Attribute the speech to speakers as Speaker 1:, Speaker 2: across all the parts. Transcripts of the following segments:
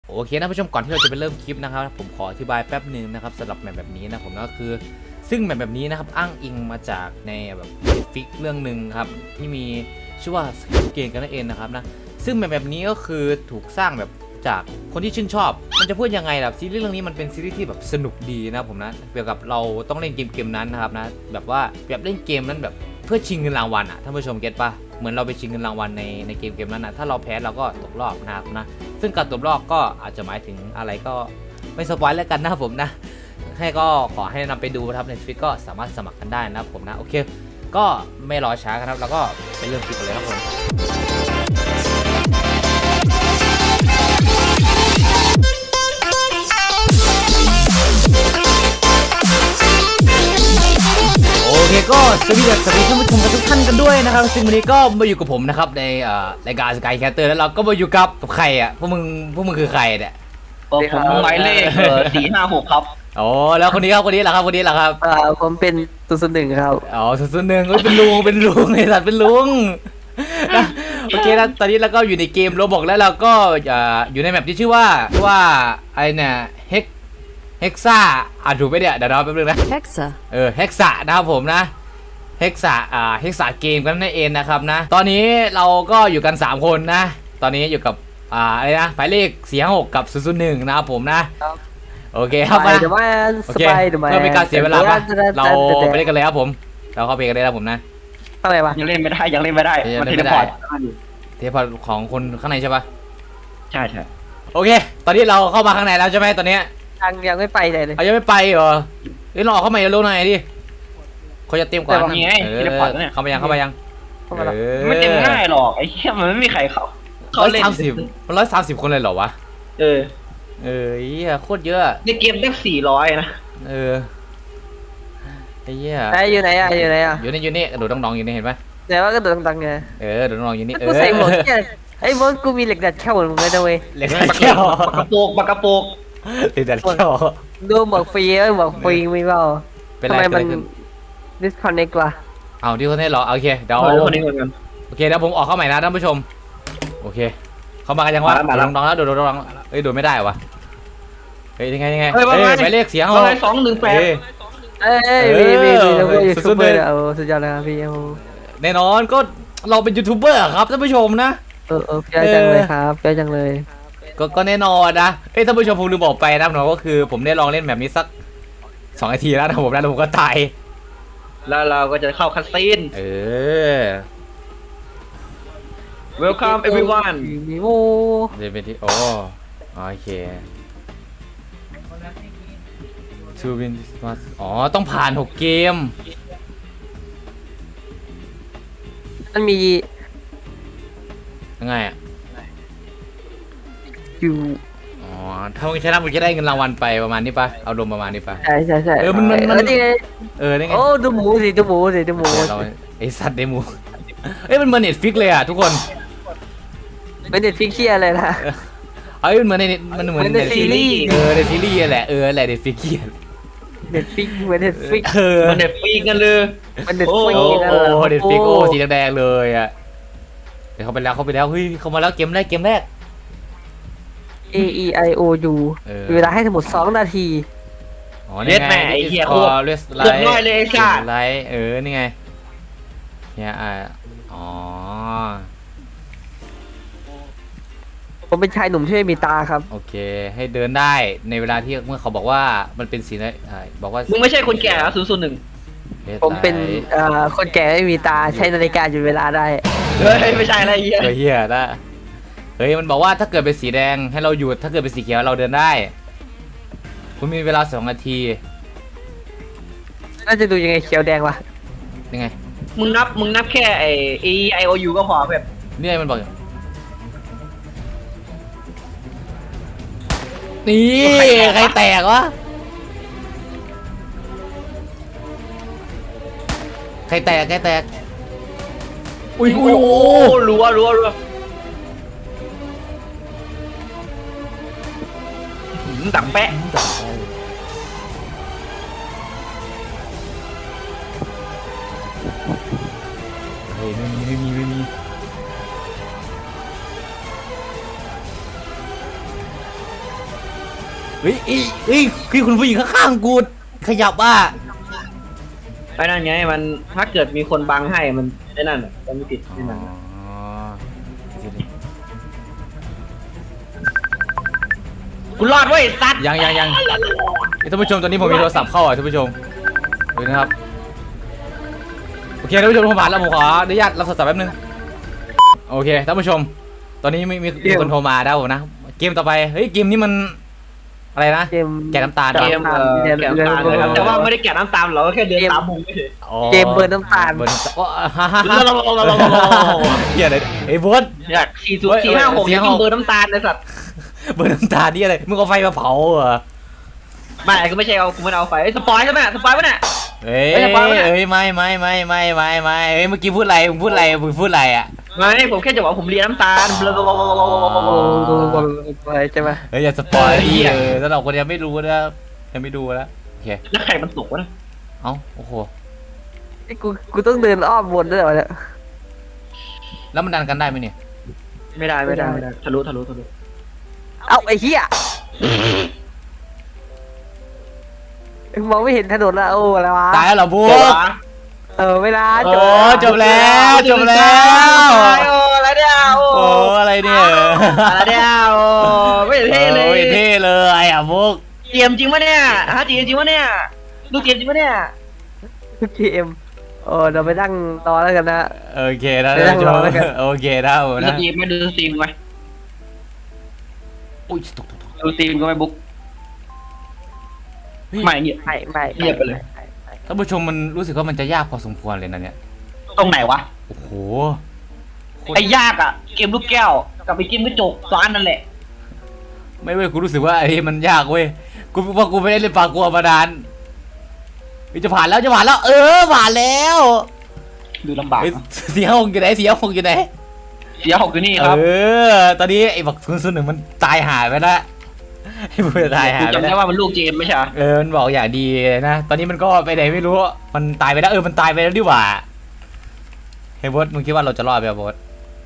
Speaker 1: โอเคนะผู้ชมก่อนที่เราจะไปเริ่มคลิปนะครับผมขออธิบายแป๊บหนึ่งนะครับสำหรับแมปแบบนี้นะผมก็คือซึ่งแมปแบบนี้นะครับอ้างอิงมาจากในแบบฟิกเรื่องหนึ่งครับที่มีชื่อว่าสกิลเกมกันนั่นเองนะครับนะซึ่งแมปแบบนี้ก็คือถูกสร้างแบบจากคนที่ชื่นชอบมันจะพูดยังไงล่ะซีรีส์เรื่องนี้มันเป็นซีรีส์ที่แบบสนุกดีนะผมนะเกี่ยวกับเราต้องเล่นเกมนั้นนะครับนะแบบว่าแบบเล่นเกมนั้นแบบเพื่อชิงเงินรางวัลอะท่านผู้ชมเก็ตปะเหมือนเราไปชิงเงินรางวัลในเกมนั้นนะถ้าเราแพ้เราก็ตกรอบนะครับนะซึ่งการตกรอบก็อาจจะหมายถึงอะไรก็ไม่สปอยแล้วกันนะผมนะให้ก็ขอให้นำไปดูนะครับในฟิกก็สามารถสมัครกันได้นะผมนะโอเคก็ไม่รอช้ากันครับแล้วก็ไปเริ่มคลิปกันเลยครับผมโอเคก็สวัสดีท่านผู้ชมทุกท่านกันด้วยนะครับซึ่งวันนี้ก็มาอยู่กับผมนะครับในรายการสกายแคสเตอร์แล้วเราก็มาอยู่กับใครอ่ะพวกมึงคือใครเนี่ย
Speaker 2: ผมหมายเลข456ครับ
Speaker 1: อ๋อแล้วคนนี้ครับคนนี้แหละครับ
Speaker 2: ผมเป็น001ครับ
Speaker 1: อ๋อ001เป็นลุงไอ้สัตว์เป็นลุงนะโอเคแล้วตอนนี้เราก็อยู่ในเกมโรบอกแล้วเราก็อยู่ในแมปที่ชื่อว่าไอเนี่ยเฮกซ่าถูกไหมเนี่ยเดี๋ยวเราแป๊บนึงนะเฮกซ่านะครับผมนะเฮกซ่าเกมกันนั่นเองนะครับนะตอนนี้เราก็อยู่กัน3คนนะตอนนี้อยู่กับอะไรนะหมายเลข456กับ001นะครับผมนะโอเคครับมาโอเคเพื่อเป็นการเสียเวลาเราไปเล่นกันเลยครับผมเราเข้าไปกันเลยครับผมนะ
Speaker 2: อะไรวะยังเล่นไม่ได้มันเทเลพอร์ต
Speaker 1: ของคนข้างในใช่ปะ
Speaker 2: ใช่
Speaker 1: โอเคตอนนี้เราเข้ามาข้างในแล้วใช่ไหมตอนนี้
Speaker 2: ยังไม่ไปเลย
Speaker 1: ยังไม่ไปเหรอเราออกเข้ามาเร็วหน่อยดิเขาจะเตรียมก่อนเข้ามายัง
Speaker 2: ไม่เต็มง่ายหรอกไอ้เหี้ยมันไม่มีใครเขาเล่น
Speaker 1: 130คนเลยเหรอวะเหี้ยโคตรเยอะ
Speaker 2: ในเกมได้400นะ
Speaker 1: ไอ้เหี้ย
Speaker 2: อยู่ไหนอยู่
Speaker 1: นี่กระโดดน้องอยู่นี่เห็นไหม
Speaker 2: แต่ว่าก็โดดดังไง
Speaker 1: กระโดดน้องอยู่นี่
Speaker 2: กูใส่หมวกไอ้มดกูมีเหล็กดัดแค่หมดมึงเลยนะเว้ย
Speaker 1: เหล็กดัดแค่
Speaker 2: ปากระโปก
Speaker 1: เหล็กดัดแค่
Speaker 2: ดูหมวกฟรีมีเปล่าทำไมมัน disconnect วะ
Speaker 1: เอาที่คนนี้เหรอโอเคเดี๋ยวโอเคเดี๋ยวผมออกเข้าใหม่นะท่านผู้ชมโอเคเข้ามากันยังวะน้องแล้วโดดโดดไม่ได้วะยังไงหมายเลขเสียง
Speaker 2: เรา218มียูทูบเบอร์สุดยอดเลยครับพี่
Speaker 1: แน่นอนก็เราเป็นยูทูบเบอร์ครับท่านผู้ชมนะ
Speaker 2: เยอะจังเลยครับเยอะจังเลย
Speaker 1: ก็แน่นอนนะท่านผู้ชมผมลืมบอกไปนะน้องก็คือผมได้ลองเล่นแบบนี้สัก2 นาทีแล้วนะผมแล้วผมก็ตาย
Speaker 2: แล้วเราก็จะเข้าคัสซีนWelcome everyone
Speaker 1: เดี๋ยวไปที่โอเคทูวินต้องผ่าน6 เกม
Speaker 2: มันมี
Speaker 1: ยังไงอ่ะ
Speaker 2: อยู่
Speaker 1: ถ้ามึงชนะมึงจะได้เงินรางวัลไปประมาณนี้ปะเอารวมประมาณนี้ปะ
Speaker 2: ใช่
Speaker 1: มัน
Speaker 2: นี่ไง
Speaker 1: นี่ไง
Speaker 2: ดูหมู
Speaker 1: ไอสัตว์เดมูมันเหมือนเน็ตฟิกเลยอ่ะทุกคน
Speaker 2: เป็นเน็ตฟิกเชียอะไรนะ
Speaker 1: มันเหมือนมันเหมือนเน็ตซีรีส์เน็ตซีรีส์แหละแหละเน็ตฟิกเกีย
Speaker 2: เน็ตฟิกเหมือนเน็ตฟิก
Speaker 1: มันเน็ตฟิกกันเลย
Speaker 2: มันเน็ตฟิก
Speaker 1: เน็ตฟิกสีแดงเลยอ่ะเดี๋ยวเข้าไปแล้วเฮ้ยเข้ามาแล้วเกมแรก
Speaker 2: A E I O U เวลาให้ทั้งหมด2 นาที
Speaker 1: เลือดแม่ไอ้เหี้ยโคตรเลือดน้อยเลยไอ้สัตว์นี่ไงเนี่ย
Speaker 2: ผมเป็นชายหนุ่มที่ไม่มีตาครับ
Speaker 1: โอเคให้เดินได้ในเวลาที่เมื่อเขาบอกว่ามันเป็นสีบอกว่า
Speaker 2: มึงไม่ใช่คนแก่001ผมเป็นคนแก่ไม่มีตาใช้นาฬิกาอยู่เวลาได้ไม่ใช่อะไรเ
Speaker 1: หี้ยนะมันบอกว่าถ้าเกิดเป็นสีแดงให้เราหยุดถ้าเกิดเป็นสีเขียวเราเดินได้คุณมีเวลา2 นาที
Speaker 2: น่าจะดูยังไงเขียวแดงวะ
Speaker 1: ยังไง
Speaker 2: มึงนับแค่ไอ้ A E I O U ก็พอแบบ
Speaker 1: นี่มันบอกนี่ใครแตกวะใครแตกอุ้ย
Speaker 2: รัวดังแปะ
Speaker 1: ไม่มีเฮ้ยคือคุณผู้หญิงข้างๆกูขยับอ่ะ
Speaker 2: ไอ้นั่นไงมันถ้าเกิดมีคนบังให้มันไอ้นั่นมันไม่ติดไอ้นั่น กูรอดเว้ยสัตว์
Speaker 1: ยังท่านผู้ชมตอนนี้ผมมีโทรศัพท์เข้าอ่ะท่านผู้ชมดูนะครับโอเคท่านผู้ชมผมผ่านแล้วผมขออนุญาตรับโทรศัพท์แป๊บนึงโอเคท่านผู้ชม ตอนนี้มีคนโทรมาแล้วผมนะเกมต่อไปเฮ้ยเกมนี้มันอะไรนะ
Speaker 3: เกม
Speaker 1: แกะน้ำตาล
Speaker 2: เกมแกะน้ำตาลนะครับแต่ว่าไม่ได้แกะน้ำตาลเราก็แค่เดินตามมุมไม่เฉย
Speaker 1: อ๋อ
Speaker 3: เกมเบิร์นน้ำตาล
Speaker 1: เบิร์นน้ำตาลฮ่าเฮียอะไรไอ้บด
Speaker 2: อยาก40456ยังเบอร์น้ำตาลเลยสัตว์
Speaker 1: เบิร์นน้ำตาลนี่อะไรมึงเอาไฟมาเผาเหรอ
Speaker 2: ไม่กูไม่ใช่กูไม่เอาไฟสปอยใช่ไหมสปอยปะเนี่ย
Speaker 1: เอ้ย
Speaker 2: ไม่ได้ปะเนี่ย
Speaker 1: เอ้ยไม่เอ้ยเมื่อกี้พูดอะไรมึงพูดอะไรอ่ะ
Speaker 2: ไม่ผมแค่จะบอกผมเรียนน้ำตาล
Speaker 3: ใช่ไหม
Speaker 1: เฮ้ยอย่าสปอยดิ
Speaker 2: เหี้ย
Speaker 1: สำหรับคนยังไม่รู้นะยังไม่ดูแล้วโอเค
Speaker 2: แล้วไข่มันสุกวะนะ
Speaker 1: เอ้าโอ้โห
Speaker 3: กูต้องเดินอ้อมวนด้วยเหรอเนี่ย
Speaker 1: แล้วมันดันกันได้ไหมเนี่ย
Speaker 2: ไม่ได้ทะลุ
Speaker 3: เอ้าไอ้เหี้ยมองไม่เห็นถนนละโอ้อะไรวะ
Speaker 1: ตายแล้วเหรอบุ๊
Speaker 2: โอ้
Speaker 1: ก
Speaker 3: เวลา
Speaker 1: โอ้จบแล้ว
Speaker 2: โอ้อะไรเนี่ย
Speaker 1: โอ้อะไรเนี่ย
Speaker 2: อะไรเนี่ยโอ้ไม่เท่เลย
Speaker 1: โอ้ยเท่เลยอ่ะบุ๊ก
Speaker 2: เกมจริงปะเนี่ยฮะเกมจริงปะเนี่ยดูเกมจริงปะเนี่ย
Speaker 3: เกมเราไปนั่งรอแล้วกันนะ
Speaker 1: โอเคนะ
Speaker 3: ไปนั่งรอแล้วกัน
Speaker 1: โอเคนะผม
Speaker 2: ดู
Speaker 1: นะ
Speaker 2: สตรีมไหมดูสตรีมไหม
Speaker 1: อุ้ยตก
Speaker 2: ดูสตรีมก็ไม่บุ๊กไม่เนี่ย
Speaker 3: ไม่
Speaker 2: เงียบไปเลย
Speaker 1: ท่านผู้ชมมันรู้สึกว่ามันจะยากพอสมควรเลยนะเนี่ย
Speaker 2: ตรงไหนวะ
Speaker 1: โอ้โห
Speaker 2: ไอ้ยากอ่ะเกมลูกแก้วกับไอ้เกมกระจกซ้อนนั่นแหละ
Speaker 1: ไม่เว้ยกูรู้สึกว่าไอ้มันยากเว้ยกูว่ากูไม่ได้เล่นปลากัวมานานเฮ้ยจะผ่านแล้วผ่านแล้ว
Speaker 2: ดูลำบาก
Speaker 1: เฮ้ย
Speaker 2: นะ
Speaker 1: เสียหกอยู่ไหนเสียหกอยู่ไหน
Speaker 2: เสียหกอยู่นี่ครับ
Speaker 1: ตอนนี้ไอ้บักศูนย์หนึ่งมันตายหายไปแล้วไอ้ผู้ตายหาย
Speaker 2: กู
Speaker 1: ไป
Speaker 2: จำ
Speaker 1: แล้
Speaker 2: ได้
Speaker 1: ว
Speaker 2: ว่ามันลูกเจมไม่ใช่เหรอ
Speaker 1: มันบอกอย่างดีเลยนะตอนนี้มันก็ไปไหนไม่รู้มันตายไปแล้วมันตายไปแล้วดีกว่าเฮ้ยบอสมึงคิดว่าเราจะรอดไหมบอส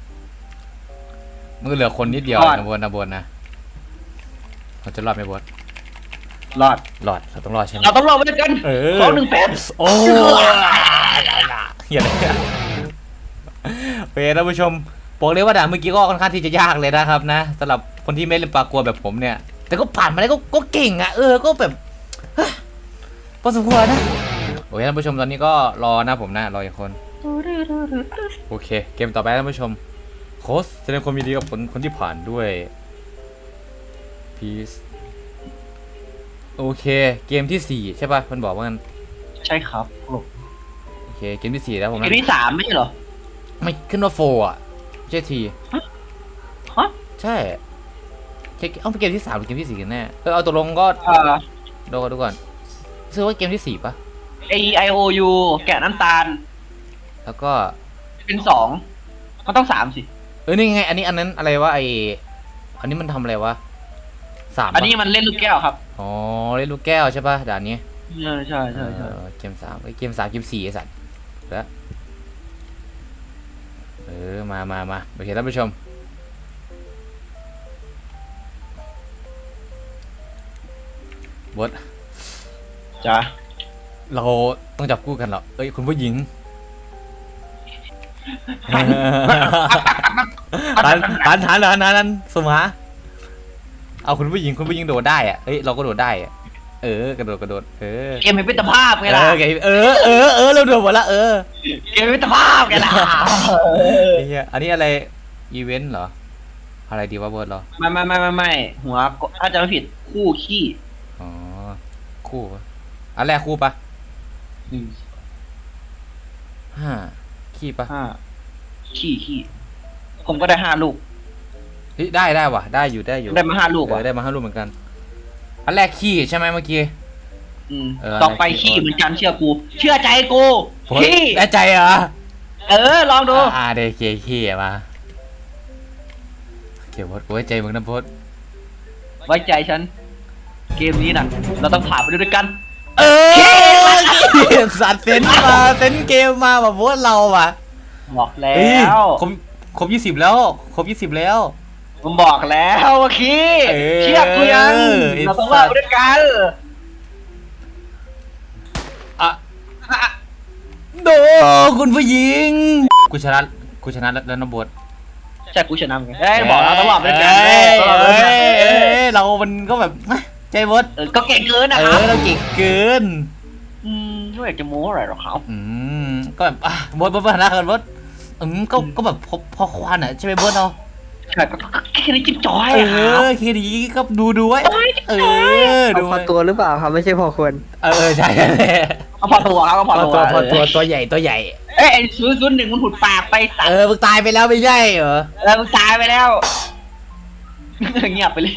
Speaker 1: มึงเหลือคนนิดเดียวนะบอสนะเราจะรอดไหมบอส
Speaker 2: รอด
Speaker 1: รอดเราต้องรอดใช่ไหม
Speaker 2: เราต้องรอดไว้ด้วยกัน
Speaker 1: โอ้อย่าเลยโอเคท่านผู้ชมบอกเลยว่าด่านเมื่อกี้ก็ค่อนข้างที่จะยากเลยนะครับนะสำหรับคนที่ไม่เล่นปลากัวแบบผมเนี่ยแต่ก็ผ่านมาได้ก็เก่งอ่ะก็แบบพอสมควรนะโอเคท่านผู้ชมตอนนี้ก็รอนะผมนะรออีกคนโอเคเกมต่อไปท่านผู้ชมโค้ชแสดงความยินดีกับคนที่ผ่านด้วยพีซโอเคเกมที่4ใช่ป่ะมันบอกว่างั้น
Speaker 2: ใช่ครับ
Speaker 1: โอเคเกมที่4แล้วผม
Speaker 2: เก
Speaker 1: นะ
Speaker 2: มที่3ไม่ใช่เหรอ
Speaker 1: ไม่ขึ้นว่าโฟอ่ะไม่ใช่ที
Speaker 2: ฮะ
Speaker 1: ใช่เอาเป็นเกมที่3หรือเกมที่4กันแน่เอาตกลงก็ดูก่อนซื้อว่าเกมที่4ป่ะ
Speaker 2: AIOU แกะน้ำตาล
Speaker 1: แล้วก็
Speaker 2: เป็น2มันต้อง3สิ
Speaker 1: นี่ไงอันนั้นอะไรวะอันนี้มันทำอะไรวะ3
Speaker 2: อันนี้มันเล่นลูกแก้วครับ
Speaker 1: อ๋อเล่นลูกแก้วใช่ป่ะด่านนี้
Speaker 2: ใช่
Speaker 1: เกม3เกม3เกม4ไอ้สัตว์แล้วมาโอเคท่านผู้ชมบอส
Speaker 2: จ้า
Speaker 1: เราต้องจับคู่กันเหรอคุณผู้หญิงทันสมหาเอาคุณผู้หญิงโดดได้อะเราก็โดดได้อะกระโดด
Speaker 2: เกมเป็นตภาพไงล่ะ
Speaker 1: เราโดดหมดละ
Speaker 2: เกมเป็นตภาพไงล่ะ
Speaker 1: อันนี้อะไรอีเวนต์เหรออะไรดีวะบอสเหรอ
Speaker 2: ไม่หัวถ้าจะไม่ผิดคู่ขี้
Speaker 1: อ๋อคู่ปะอันแรกคู่ปะขี้ปะ
Speaker 2: ขี้ผมก็ได้5 ลูก
Speaker 1: ได้ว่ะได้อยู่
Speaker 2: ได้มา5 ลูกว่ะ
Speaker 1: ได้มา5 ลูกเหมือนกันอันแรกขี้ใช่ไหมเมื่อกี้
Speaker 2: ต่อไปขี้เหมือนกันเชื่อกู เชื่อใจกูขี้
Speaker 1: ได้ใจเหรอ
Speaker 2: ลองดู
Speaker 1: เด็กขี้มาเกี่ยวบอสไว้ใจมึงนะบอส
Speaker 2: ไว้ใจฉัน เกมนี้น่ะ เราต้องผ่านไปด้วยกัน
Speaker 1: สัตว์เซนเกมมาแบบบอสเราอ่ะ
Speaker 2: บอกแล้
Speaker 1: ครบ20แล้วครบ20แล้ว
Speaker 2: ผมบอกแล้วว่าขี้เชื่อกูยัง
Speaker 4: เราต้องว่าด้วยกัน
Speaker 1: อะโดคุณผู้หญิงกูชนะแล้วนะบท
Speaker 4: ใช่กูชนะไงเอ้ยบอกเราต้องว่าด้วยกัน
Speaker 1: เรามันก็แบบใจบด
Speaker 4: ก็เก่งเกินนะครับ
Speaker 1: เราเก่งเกิน
Speaker 4: ไม่อยากจะโม้อะไรหรอกครับ
Speaker 1: ก็แบบบดฐานะกันบดก็แบบพอควานอ่ะใช่ไหมบดเนาะ
Speaker 4: ใช่ก็แค่นี้จิ๊บจอย
Speaker 1: แค่นี้ก็ดูไว้ดู
Speaker 3: เอาพอตัวหรือเปล่าครับไม่ใช่พอควร
Speaker 1: ใช่
Speaker 4: ก็พอตัวครับก็พอตัว
Speaker 1: ตัวใหญ่
Speaker 4: เอ้ย001มันผุดปากไปสัตว์
Speaker 1: มึงตายไปแล้วไม่ใช่เหรอ
Speaker 4: แล้วมึงตายไปแล้วเงียบไปเลย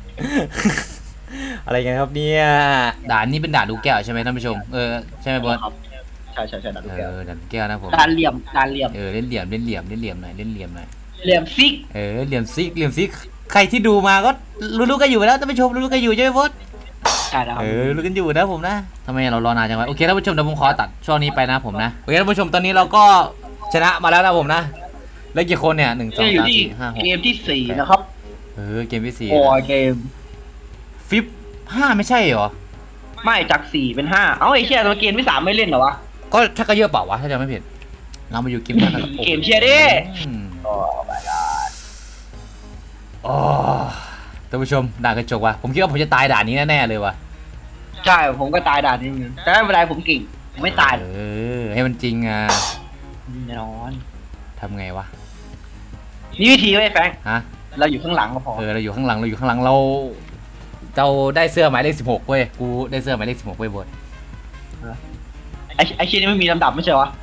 Speaker 1: อะไรกันครับเนี่ยด่านนี้เป็นด่านดูแก้วใช่ไหมท่านผู้ชมใช่ไหมบอส
Speaker 4: ใช่ด่านลูกแก้ว
Speaker 1: ด่านดูแก้วนะผม
Speaker 4: ด่านเหลี่ยม
Speaker 1: เล่นเหลี่ยมหน่อย
Speaker 4: เหลี่ยมซิก
Speaker 1: เหลี่ยมซิกใครที่ดูมาก็รู้กันอยู่แล้วท่านผู้ชมรู้กันอยู่ใช่ไหมบอส
Speaker 4: ใช่แล้วครับ
Speaker 1: รู้กันอยู่นะผมนะทำไมเรารอนานจังวะโอเคท่านผู้ชมเดี๋ยวผมขอตัดช่วงนี้ไปนะผมนะโอเคท่านผู้ชมตอนนี้เราก็ชนะมาแล้วนะผมนะแล้วกี่คนเนี่ย1 2
Speaker 4: อยู่
Speaker 1: 3
Speaker 4: ที่
Speaker 1: 4 5
Speaker 4: เกมที่4นะครับ
Speaker 1: 6เกมที่4
Speaker 4: โอ้เกม
Speaker 1: ฟิป5ไม่ใช่เหรอ
Speaker 4: ไม่จาก4เป็น5เอ้าไอ้เชี่ยตัวเกมที่3ไม่เล่นเหรอวะ
Speaker 1: ก็ถ้าก็เยอะเปล่าวะถ้าจำไม่ผิดเรามาอยู่เกมนั้นนะครับ
Speaker 4: เกมเชียร์ดิ โอ้ my god
Speaker 1: อ๋อท่านผู้ชมด่านกระจกว่ะผมคิดว่าผมจะตายด่านนี้แน่ๆเลยว่ะ
Speaker 4: ใช่ผมก็ตายด่านนี้เหมือนกันแต่ไม่เป็นไรผมเก่งผมไม่ตาย
Speaker 1: ให้มันจริงอ่ะ
Speaker 4: แน่นอน
Speaker 1: ทำไงวะ
Speaker 4: นี่วิธีไว้แฟง
Speaker 1: ฮะ
Speaker 4: เราอยู่ข้างหลังก็พอ
Speaker 1: เราอยู่ข้างหลังเราได้เสื้อหมายเลข16เว้ยกูได้เสื้อหมายเลข16เว้ยบด
Speaker 4: ไอ้เชี่ยนี่ไม่มีลำดับไม่ใช่วะ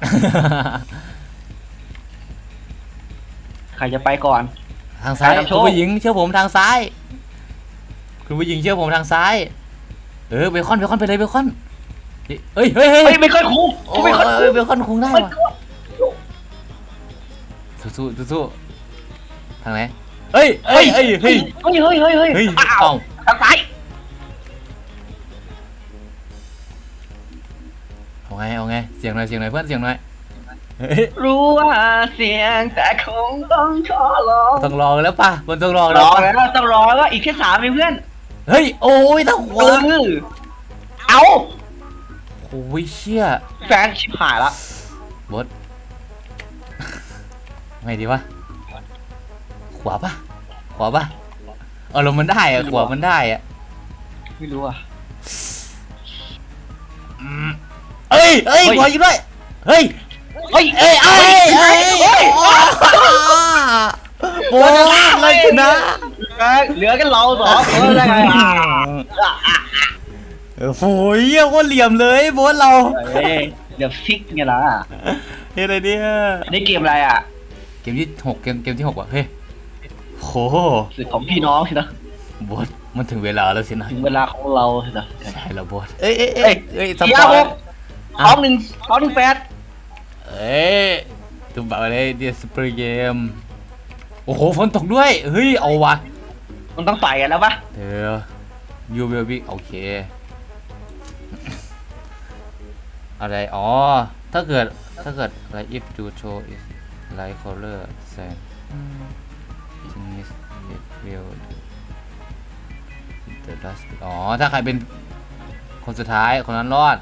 Speaker 4: ใครจะไปก่อน
Speaker 1: ทางซ้าย
Speaker 4: ไปนำโช
Speaker 1: คุ
Speaker 4: ค
Speaker 1: ณผู้หญิงเชื่อผมทางซ้ายคุณผู้หญิงเชื่อผมทางซ้ายเบคอนไปเลยเบคอนเฮ้ย
Speaker 4: ไม่ค่อยคุ้ม
Speaker 1: โอ้
Speaker 4: ไม่ค่อยคุ้ม
Speaker 1: เบคอนคงได้
Speaker 4: ไม่
Speaker 1: ว่ะ
Speaker 4: คุ้ม
Speaker 1: สู้ทางไหนเฮ้ยเอ้า
Speaker 4: ทางซ้าย
Speaker 1: เอาไงเสียงหน่อยเพื่อนเสียงหน่อย
Speaker 4: รู้ว่าเสียงแต่คงต้องขอร้อง
Speaker 1: ต้องรอแล้วป่ะมันต้องรอ
Speaker 4: ร
Speaker 1: แล้ว
Speaker 4: อ
Speaker 1: ป่ะ
Speaker 4: แล้วต้องรอแล้วอีกแค่3เองเพื่อน
Speaker 1: เฮ้ยโอ้ยถ้าหัว
Speaker 4: เอา
Speaker 1: โอ้ยเชี่ย
Speaker 4: แฟนชิบหายละ
Speaker 1: บดไงดีวะขวาป่ะลมมันได้อะขวามันได้อะ
Speaker 4: ไม่รู้อ่ะ
Speaker 1: เอ้ยขวาอยู่ด้วยเฮ้ยโบดเลยชนะ
Speaker 4: เหลือกันเรา2คนได้ไง
Speaker 1: โอ้ยเยี่ยโคตรเหลี่ยมเลยโบดเรา
Speaker 4: เดี๋ยวฟิกไงล่ะ
Speaker 1: เฮ้ยอะไรเนี่ย
Speaker 4: นี่เกมอะไรอ่ะ
Speaker 1: เกมที่6เกมที่6ว่ะเฮ้ยโห
Speaker 4: สึกของพี่น้องสินะ
Speaker 1: โบดมันถึงเวลาแล้วสินะ
Speaker 4: ถึงเวลาของเราสินะ
Speaker 1: ใช่แล้วโบดเอ้ยส
Speaker 4: เดี๋
Speaker 1: ป
Speaker 4: ยว
Speaker 1: อย
Speaker 4: พร้อม1 8
Speaker 1: ตุ้มแบบอะไรเดียสปริเกมโอ้โหฝนตกด้วยเฮ้ยเอาวะ
Speaker 4: มันต้องต่อยกันแล้วปะ
Speaker 1: ยูเวลบิโอเคอะไรอ๋อถ้าเกิดอะไร if you show is light color sand it will the dust อ๋อถ้าใครเป็นคนสุดท้ายคนนั้นรอด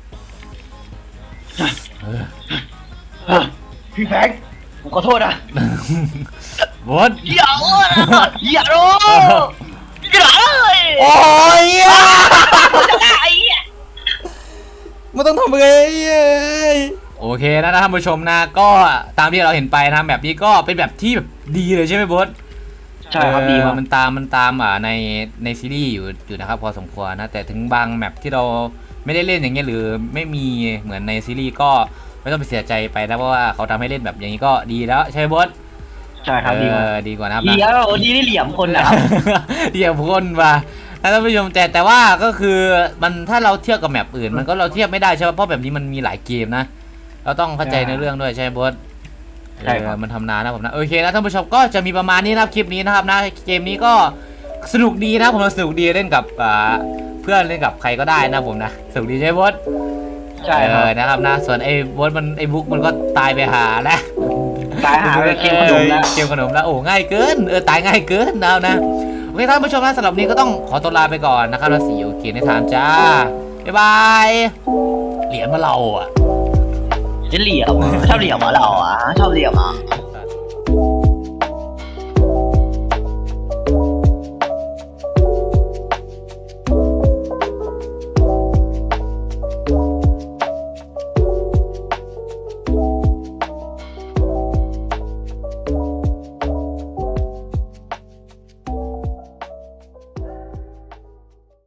Speaker 4: พี่แฟงผมขอโทษนะ
Speaker 1: บด
Speaker 4: อย่าโอ้ยอย่าโอ้อย่าเลย
Speaker 1: โอ้ย
Speaker 4: ไอ้เหี้ย
Speaker 1: มันต้องทำไงโอเคนะท่านผู้ชมนะก็ตามที่เราเห็นไปนะแบบนี้ก็เป็นแบบที่แบบดีเลยใช่ไหมบด
Speaker 4: ใช่ครับดีมาก
Speaker 1: มันตามในซีรีส์อยู่นะครับพอสมควรนะแต่ถึงบางแมปที่เราไม่ได้เล่นอย่างเงี้ยหรือไม่มีเหมือนในซีรีส์ก็ไม่ต้องไปเสียใจไปนะเพราะว่าเขาทำให้เล่นแบบอย่างนี้ก็ดีแล้วใช่ไหมบด
Speaker 4: ใช่ครับดีมาก
Speaker 1: ดีกว่านะครับ
Speaker 4: ดีแล้วดีได้เหลี่ยมคนนะครับ
Speaker 1: เดี๋ยวคนมาท่านผู้ชมแต่ว่าก็คือมันถ้าเราเทียบกับแมปอื่นมันก็เราเทียบไม่ได้ใช่ไหมเพราะแบบนี้มันมีหลายเกมนะเราต้องเข้าใจในเรื่องด้วยใช่ไหมบอส
Speaker 4: ใช่ครับ
Speaker 1: มันทำนานนะผมนะโอเคนะท่านผู้ชมก็จะมีประมาณนี้นะครับคลิปนี้นะครับนะเกมนี้ก็สนุกดีนะผมสนุกดีเล่นกับเพื่อนเล่นกับใครก็ได้นะผมนะสนุกดีใช่ไหมบอส
Speaker 4: ใช่ครับ
Speaker 1: นะครับนะส่วนไอ้บอสมันไอ้บุ๊กมันก็ตายไปหาแล้ว
Speaker 4: ตายหาไปเกมขนมแล้ว
Speaker 1: เกมขนมแล้วโอ้ง่ายเกินตายง่ายเกินนะโอเคท่านผู้ชมนะสำหรับวันนี้ก็ต้องขอตัวลาไปก่อนนะครับแล้วsee you again ในทางจ้าบ๊ายบายเหรียญมาเราอ่ะ
Speaker 4: จะเหลี่ยมชอบเหลี่ยมเหรอเราอ่ะชอบเหลี่ยมเหรอ